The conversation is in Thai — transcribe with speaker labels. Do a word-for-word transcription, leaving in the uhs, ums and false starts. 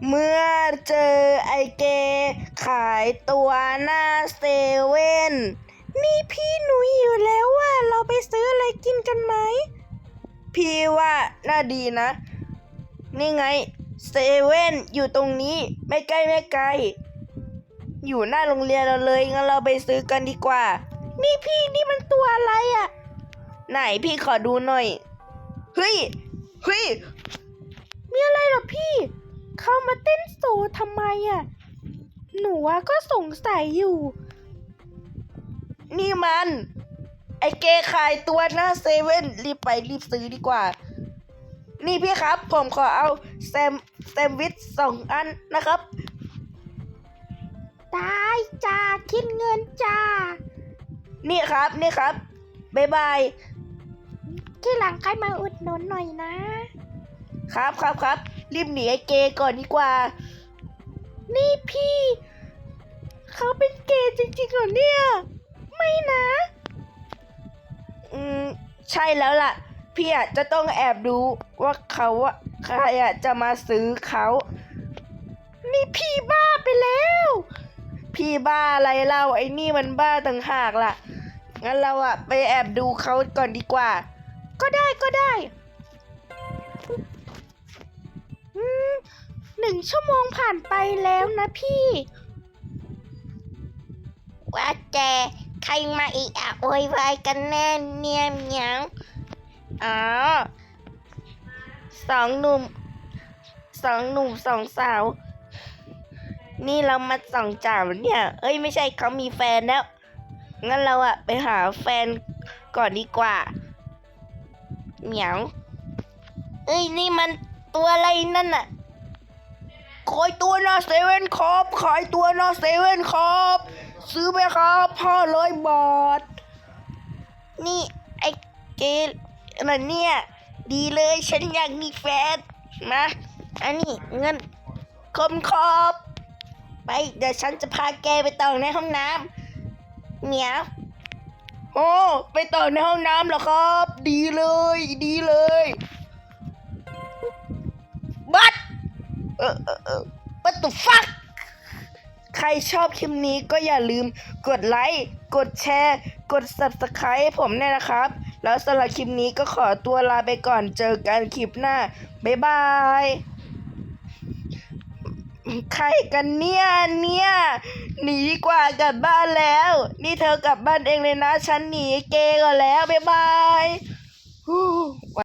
Speaker 1: เมื่อเจอไอเกขายตัวหน้าเซเว่นนี่พี่หนูหิวแล้วว่าเราไปซื้ออะไรกินกันไหมพี่ว่าน่าดีนะนี่ไงเซเว่นอยู่ตรงนี้ไม่ใกล้ไม่ไกลอยู่หน้าโรงเรียนเราเลยงั้นเราไปซื้อกันดีกว่านี่พี่นี่มันตัวอะไรอ่ะไหนพี่ขอดูหน่อยเฮ้ยเฮ้ยมีอะไรเหรอพี่เข้ามาเต้นโซทำไมอ่ะหนูว่าก็สงสัยอยู่นี่มันไอเกขายตัวหน้าเซเว่นรีบไปรีบซื้อดีกว่านี่พี่ครับผมขอเอาแซมแซมวิชสองอันนะครับได้จ้าคิดเงินจ้านี่ครับนี่ครับบ๊ายบายที่หลังใครมาอุดหนุนหน่อยนะครับครับครับรีบหนีไอเกก่อนดีกว่านี่พี่เขาเป็นเกย์จริงๆเหรอเนี่ยไม่นะอืมใช่แล้วล่ะพี่อาจจะต้องแอบดูว่าเขาอะใครอะจะมาซื้อเขานี่พี่บ้าไปแล้วพี่บ้าอะไรเล่าไอ้นี่มันบ้าต่างหากล่ะงั้นเราอะไปแอบดูเขาก่อนดีกว่าก็ได้ก็ได้อืมหนึ่งชั่วโมงผ่านไปแล้วนะพี่ว่าแต่ใครมาอีกอะโวยวายกันแน่เนี่ยเหมียวอ๋อสองหนุ่มสองหนุ่มสองสาวนี่เรามาส่องจ่าวเนี่ยเอ้ยไม่ใช่เขามีแฟนแล้วงั้นเราอะไปหาแฟนก่อนดีกว่าเหมียวเอ้ยนี่มันตัวอะไรนั่นน่ะขายตัวหน้าเซเว่นครับขายตัวหน้าเซเว่นครับซื้อไหมครับห้าร้อยบาทนี่ไอ้เกลอะไรเนี่ยดีเลยฉันอยากมีแฟนนะอันนี้เงินคมคอบไปเดี๋ยวฉันจะพาแกไปต่อในห้องน้ำเหมียวโอ้ไปต่อในห้องน้ำเหรอครับดีเลยดีเลยบัดเออเออเออ What the fuck ใครชอบคลิปนี้ก็อย่าลืมกดไลค์กดแชร์กด ซับสไครบ์ ให้ผมเนี่ยนะครับแล้วสำหรับคลิปนี้ก็ขอตัวลาไปก่อนเจอกันคลิปหน้าบ๊ายบายใครกันเนี่ยเนี่ยหนีดีกว่ากลับบ้านแล้วนี่เธอกลับบ้านเองเลยนะฉันหนีเกย์ก่อนแล้วบ๊ายบาย